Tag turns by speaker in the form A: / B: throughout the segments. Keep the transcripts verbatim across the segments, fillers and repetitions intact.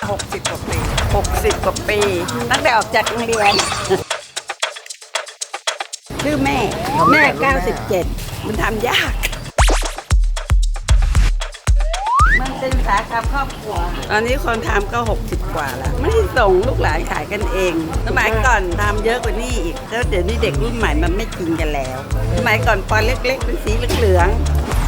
A: หกสิบกว่าปีหกสิบกว่าปี ตั้งแต่ออกจากโรงเรียน ชื่อแม่ แม่เก้าสิบเจ็ดมันทำยาก มันเป็นสาขาครอบครัว ตอนนี้คนทำก็หกสิบกว่าแล้ว ไม่ได้ส่งลูกหลานขายกันเอง สมัยก่อนทำเยอะกว่านี้อีก แล้วเดี๋ยวนี้เด็กรุ่นใหม่มันไม่กินกันแล้ว สมัยก่อนปอนเล็กๆเป็นสีเหลือง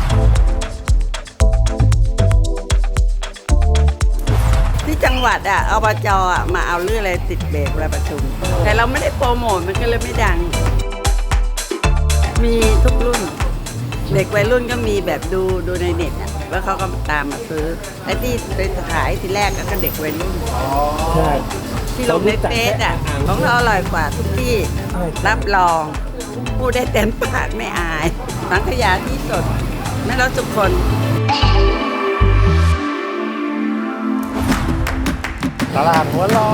A: ที่จังหวัดอ่ะอบจอ่ะมาเอาเรื่องอะไรติดเบรกเวลาประชุม แต่เราไม่ได้โปรโมทมันก็เลยไม่ดัง มีทุกรุ่น เด็กวัยรุ่นก็มีแบบดูดูในเน็ตอ่ะแล้วเขาก็ตามมาซื้อไอ้ที่ไปขายที่แรกก็เด็กวัยรุ่น
B: ใช่
A: ที่ลงในเฟซอ่ะของเราอร่อยกว่าทุกที่รับรองพูดได้เต็มปากไม่อายสังขยาที่สดไม่ลดทุกคน
B: ตลาดหัวล้อ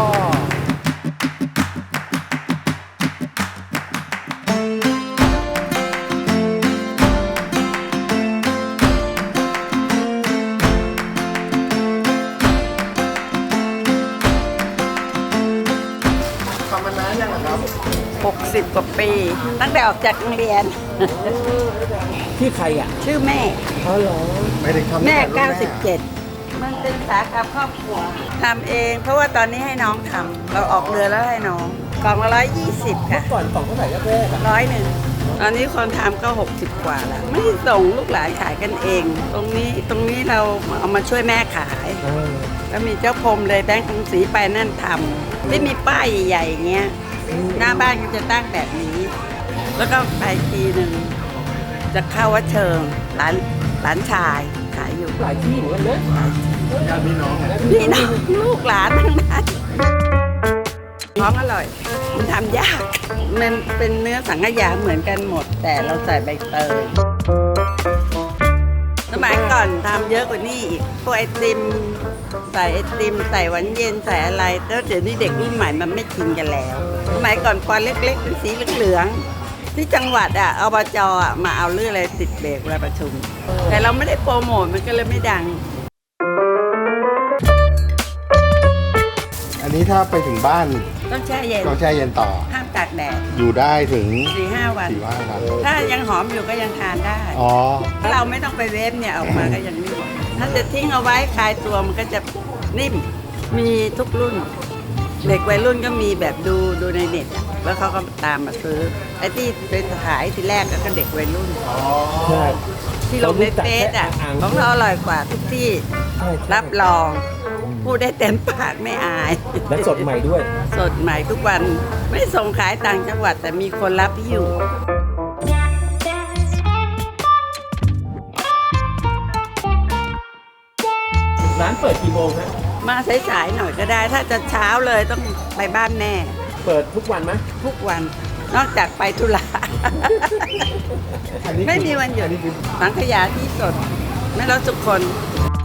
B: ทำมานานยังครับ
A: หกสิบกว่าปี ตั้งแต่ออกจากโรงเรียน
B: ที่ใครอ่ะ
A: ชื่อแม่
B: เขาเหรอไม่ได้ทำ
A: แม่เก้าสิบเจ็ดมันเป็นสาขาครอบครัวทำเอง เพราะว่าตอนนี้ให้น้องทำเราออกเรือแล้วให้น้องกล่องละร้อยยี่สิบค่ะ
B: ก่อนกล่องเท่าไหร่แรกๆอ่ะ
A: ร้อยหนึ่งตอนนี้คนทำก็หกสิบกว่าแล้ว ไม่ได้ส่งลูกหลานขายกันเอง ตรงนี้ตรงนี้เราเอามาช่วยแม่ขาย
B: เออ
A: แล้วมีเจ้าพรมเลยแบงค์กรุงศรีไปนั่นทำไม่มีป้ายใหญ่ๆอย่างเงี้ยหน้าบ้านก็จะตั้งแบบนี้ แล้วก็ไปทีหนึ่งจะเข้าวัดเชิงร้านร้านชายขายอยู่
B: หลายที่เหมือนกันนะญาติพี่น้อง
A: พี่น้องลูกหลานทั้งนั้นของอร่อย มันทำยาก มันเป็นเนื้อสังขยาเหมือนกันหมด แต่เราใส่ใบเตยสมัยก่อนทำเยอะกว่านี้อีกพวกไอติมใส่ไอติมใส่หวานเย็นใส่อะไรแล้วเดี๋ยวนี้เด็กรุ่นใหม่มันไม่กินกันแล้ว สมัยก่อนปอนเล็กๆเป็นสีเหลืองๆที่จังหวัดอ่ะอบจอ่ะมาเอาเรื่องอะไรติดเบรกเวลาประชุม แต่เราไม่ได้โปรโมทมันก็เลยไม่ดัง
B: อันนี้ถ้าไปถึงบ้าน
A: ต้องแช่เย็น
B: ต้องแช่เย็นต่อ
A: ห้ามตากแดด
B: อยู่ได้ถึง
A: สี่ห้าวัน
B: สี่วันครับ
A: ถ้ายังหอมอยู่ก็ยังทานได้
B: อ๋อ
A: ถ้าเราไม่ต้องไปเวฟเนี่ยออกมาก็ยังนิ่มถ้าจะทิ้งเอาไว้คลายตัวมันก็จะนิ่ม มีทุกรุ่น เด็กวัยรุ่นก็มีแบบดูดูในเน็ตอ่ะแล้วเขาก็ตามมาซื้อไอ้ที่ไปขายที่แรกก็เด็กวัยรุ่น
B: ใช่
A: ที่ลงในเฟซอ่ะของเราอร่อยกว่าทุกที่รับรองพูดได้เต็มปากไม่อาย
B: และสดใหม่ด้วย
A: สดใหม่ทุกวันไม่ส่งขายต่างจังหวัดแต่มีคนรับที่อยู่
B: ร้านเปิดกี่โมงฮะ
A: มาสายๆหน่อยก็ได้ ถ้าจะเช้าเลยต้องไปบ้านแม่
B: เปิดทุกวันไหม
A: ทุกวันนอกจากไปธุระ ไม่มีวันหยุดสังขยาที่สดไม่ลดทุกคน